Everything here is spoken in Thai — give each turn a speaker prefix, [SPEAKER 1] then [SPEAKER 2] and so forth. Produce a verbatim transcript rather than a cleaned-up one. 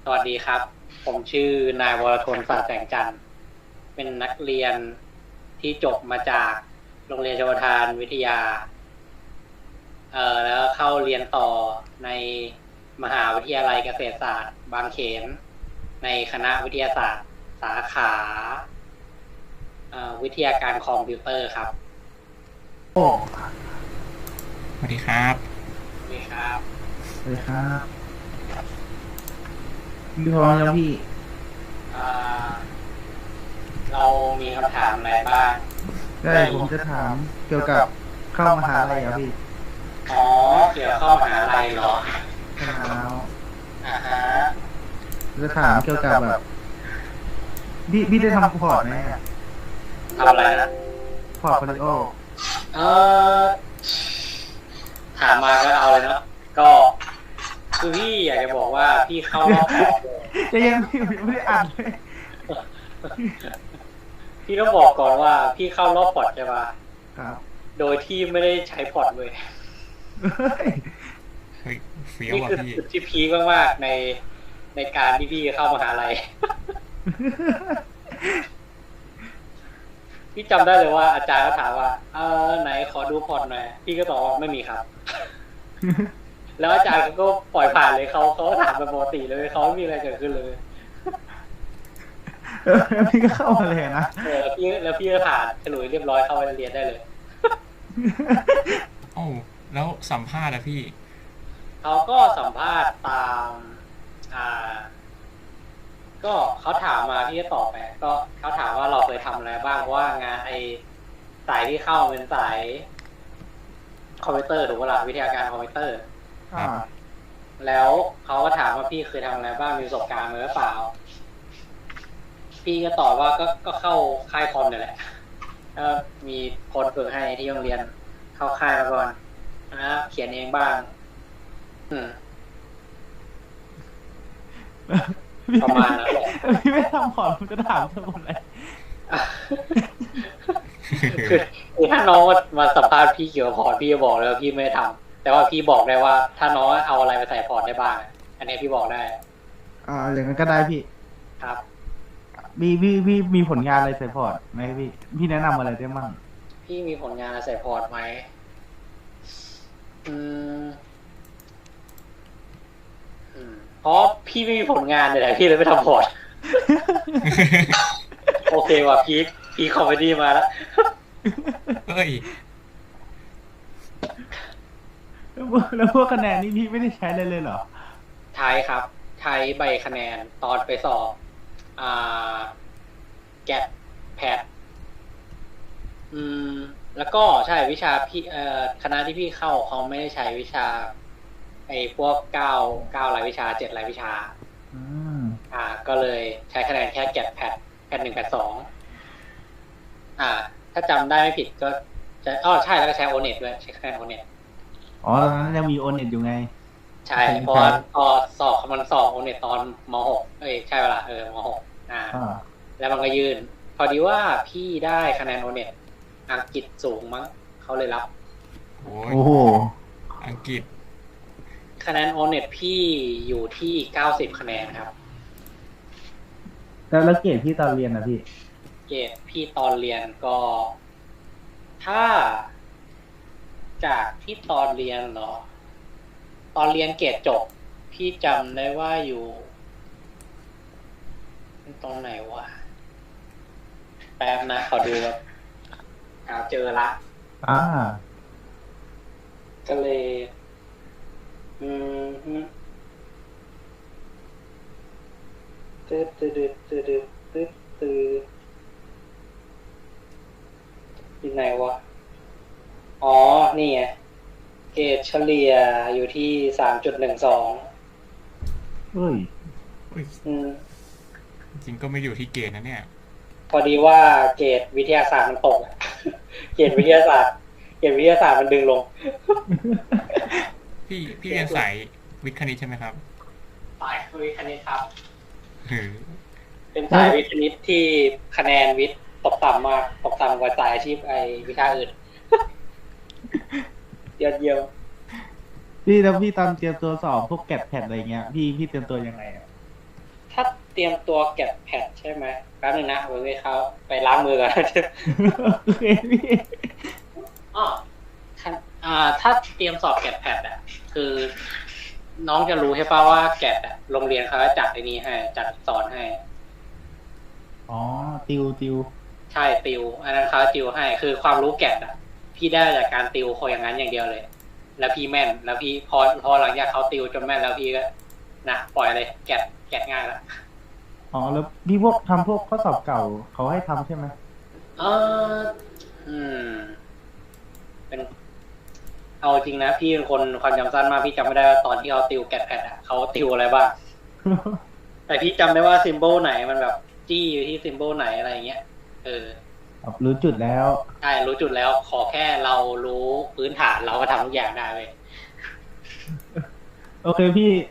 [SPEAKER 1] สวัสดีครับผมชื่อนายวรทน ศาสตร์แสงจันทร์เป็นนักเรียนที่จบมาจากโรงเรียนชลประทานวิทยาเอ่อแล้วเข้าเรียนต่อในมหาวิทยาลัยเกษตรศาสตร์บางเขนในคณะวิทยาศาสตร์สาขาเอ่อวิทยาการคอมพิวเตอร์ครับ
[SPEAKER 2] โอ้
[SPEAKER 3] สวัสดีครับ
[SPEAKER 1] สวัสดีครับ
[SPEAKER 2] สวัสดีครับพี่พร้อมแล้วพี่
[SPEAKER 1] เอ่อเรามีคำถามอะไรบ้าง
[SPEAKER 2] ได้ผมจะถามเกี่ยวกับเข้ามหาลัยครับพี่
[SPEAKER 1] อ๋อเกี่ยวกับเข้ามหาลัยเหรอ
[SPEAKER 2] ใช่แล้ว
[SPEAKER 1] อ่าฮะ
[SPEAKER 2] จะถามเกี่ยวกับแบบพี่พี่ได้ทำพอร์ตไหม
[SPEAKER 1] ทำอะไรนะ
[SPEAKER 2] พอร์ตโฟลิโอ
[SPEAKER 1] เออถามมาก็เอาเลยเนาะก็คือพี่อยากจะบอกว่าพี่เข้ารอบพอร์ต
[SPEAKER 2] จะยังพี่ไม่ได้อ่านเลย
[SPEAKER 1] พี่ต้องบอกก่อนว่าพี่เข้ารอบพอร์ตใช่ปะ
[SPEAKER 2] ครับ
[SPEAKER 1] โดยที่ไม่ได้ใช้พอร์ตเลย
[SPEAKER 3] เฮ้ยเฟี้ยว
[SPEAKER 1] นี่
[SPEAKER 3] ว่ะ
[SPEAKER 1] คือ
[SPEAKER 3] พี่
[SPEAKER 1] จุดที่พีคมากๆในในการที่พี่เข้ามหาลัยพี่จำได้เลยว่าอาจารย์ก็ถามว่าเออไหนขอดูพอร์ตหน่อยพี่ก็ตอบว่าไม่มีครับแล้วอาจารย์ก็ปล่อยผ่านเลยเขาเขาถามแบบปกติเลยเขาไม่มีอะไรเกิดขึ้นเลย
[SPEAKER 2] พี่ก็เข้ามาเลยนะ
[SPEAKER 1] เออพี่แล้วพี่ก็ผ่านฉลุยเรียบร้อยเข้าไปเรียนได้เลย
[SPEAKER 3] โอ้แล้วสัมภาษณ์อะพี่
[SPEAKER 1] เขาก็สัมภาษณ์ตามอ่าก็เขาถามมาพี่ก็ตอบไปก็เขาถามว่าเราเคยทำอะไรบ้างเพราะว่างานไอสายที่เข้าเป็นสายคอมพิวเตอร์ถูกป่ะล่ะวิทยาการคอมพิวเตอร์
[SPEAKER 2] อ่า
[SPEAKER 1] แล้วเขาก็ถามว่าพี่เคยทำอะไรบ้างมีประสบการณ์ไหมหรือเปล่าพี่ก็ตอบว่าก็ก็เข้าค่ายคอมเนี่ยแหละก็มีคนฝึกให้ที่โรงเรียนเข้าค่ายมาก่อนนะเขียนเองบ้างอืมประมาณนั้นแหละ
[SPEAKER 2] พี่ไม่ทำพอร์ตผมจะถามทั้งหมดเลย
[SPEAKER 1] คือคือถ้าน้องมาสัมภาษณ์พี่เกี่ยวกับพอร์ตพี่จะบอกเลยว่าพี่ไม่ทำแต่ว่าพี่บอกได้ว่าถ้าน้องเอาอะไรไปใส่พอร์ตได้บ้างอันนี้พี่บอกได้
[SPEAKER 2] อ่าอย่างนั้นก็ได้พี่
[SPEAKER 1] ครับ
[SPEAKER 2] มีพี่พี่มีผลงานอะไรใส่พอร์ตไหมพี่พี่แนะนำอะไรได้บ้าง
[SPEAKER 1] พี่มีผลงานอะไรใส่พอร์ตไหมอืมเพราะพี่ไม่มีผลงานเลยพี่เลยไม่ทำพอร์ตโอเคว่ะพีคพีคคอมเมดี้มาแล้ว
[SPEAKER 3] เฮ้ย
[SPEAKER 2] แล้วพวกคะแนนนี่พี่ไม่ได้ใช้เลยเลยเหรอ
[SPEAKER 1] ใช้ครับใช้ใบคะแนนตอนไปสอบอ่าแกดแพดอืมแล้วก็ใช่วิชาพี่เอ่อคณะที่พี่เข้าเขาไม่ได้ใช้วิชาไอ้พวกเก้าเก้ารายวิชาเจ็ดรายวิชา
[SPEAKER 2] อืม
[SPEAKER 1] อ่าก็เลยใช้คะแนนแค่แกดแพดแพดหนึ่งแพดสองอ่าถ้าจำได้ไม่ผิดก็จะอ๋อใช่แล้วก็ใช้โอเน็ตด้วยใช้คะแนนโอเน็ต
[SPEAKER 2] อ๋อตอนนั้นยังมีโอเน็ตอยู่ไง
[SPEAKER 1] ใช่เพราะพอสอบมันสอบโอเน็ตตอนมหกเอ้ยใช่เวลาเออมหกอ่าแล้วมันก็ยื่นพอดีว่าพี่ได้คะแนนโอเน็ตอังกฤษสูงมั้งเขาเลยรับ
[SPEAKER 3] โอ้
[SPEAKER 2] โห
[SPEAKER 3] อังกฤษ
[SPEAKER 1] คะแนนโอเน็ตพี่อยู่ที่เก้าสิบคะแนนครับ
[SPEAKER 2] แล้วแล้วเกรดพี่ตอนเรียนนะพี่
[SPEAKER 1] เกรดพี่ตอนเรียนก็ถ้าจากที่ตอนเรียนเนาะตอนเรียนเกรดจบพี่จำได้ว่าอยู่ตรงไหนวะแป๊บนะขอดูแบบหาเจอละ
[SPEAKER 2] อ่า
[SPEAKER 1] ก็เลยอืมตึ๊ดตึ๊ดตึ๊ดตึ๊ดตึ๊ดตึ๊ดที่ไหนวะอ๋อนี่ไงเกรดเฉลี่ยอยู่ที่สามจุดหนึ่งสอง
[SPEAKER 2] เฮ้ย
[SPEAKER 1] อืม
[SPEAKER 3] จริงก็ไม่อยู่ที่เกณฑ์นะเนี่ย
[SPEAKER 1] พอดีว่าเกรดวิทยาศาสตร์มันตกเกรดวิทยาศาสตร์เกรดวิทยาศาสตร์มันดึงลง
[SPEAKER 3] พี่พี่เรียนสายวิทย์คณิตใช่ไหมครับ
[SPEAKER 1] สายวิทย์คณิตครับ
[SPEAKER 3] หือ
[SPEAKER 1] เป็นสายวิทย์คณิตที่คะแนนวิทย์ตกต่ำมากตกต่ำกว่าสายอาชีพไอวิชาอื่นยอดเยี่ยม
[SPEAKER 2] พี่แล้วพี่ตอนเตรียมตัวสอบพวกแกดแพดอะไรเงี้ยพี่พี่เตรียมตัวยังไงอ่ะ
[SPEAKER 1] เตรียมตัวเก็บแพดใช่ไหมแป๊บนึงนะไว้ไว้เขาไปล้างมือก่อน
[SPEAKER 2] โอเคพี่
[SPEAKER 1] อ๋อท่านอ่า ถ้าเตรียมสอบแกดแพดอ่ะ คือ น้องจะรู้ใช่ป่าว่าแกดอ่ะโรงเรียนเขาจะจัดไอ้นี้ให้จัดสอนให้
[SPEAKER 2] อ๋อติวติว
[SPEAKER 1] ใช่ติว อันนั้นเขาติวให้ คือความรู้แกดอ่ะ พี่ได้จากการติวโคอย่างนั้นอย่างเดียวเลย แล้วพี่แม่น แล้วพี่พอพอหลังจากเขาติวจนแม่นแล้วพี่ก็นะปล่อยเลยแกดแกดง่ายละ
[SPEAKER 2] อ๋อแล้วพี่พวกทำพวกข้อสอบเก่าเขาให้ทำใช่ไหม
[SPEAKER 1] เอออืม เป็น เอาจริงนะพี่เป็นคนความจำสั้นมากพี่จำไม่ได้ว่าตอนที่เขาติวแกดแพดอ่ะเขาติวอะไรบ้าง แต่พี่จำได้ว่าซิมโบลไหนมันแบบจี้อยู่ที่ซิมโบลไหนอะไรเงี้ย เออ
[SPEAKER 2] แบบรู้จุดแล้ว
[SPEAKER 1] ใช่รู้จุดแล้วขอแค่เรารู้พื้นฐานเราก็ทำทุกอย่างได้เว้ย
[SPEAKER 2] โอเคพี่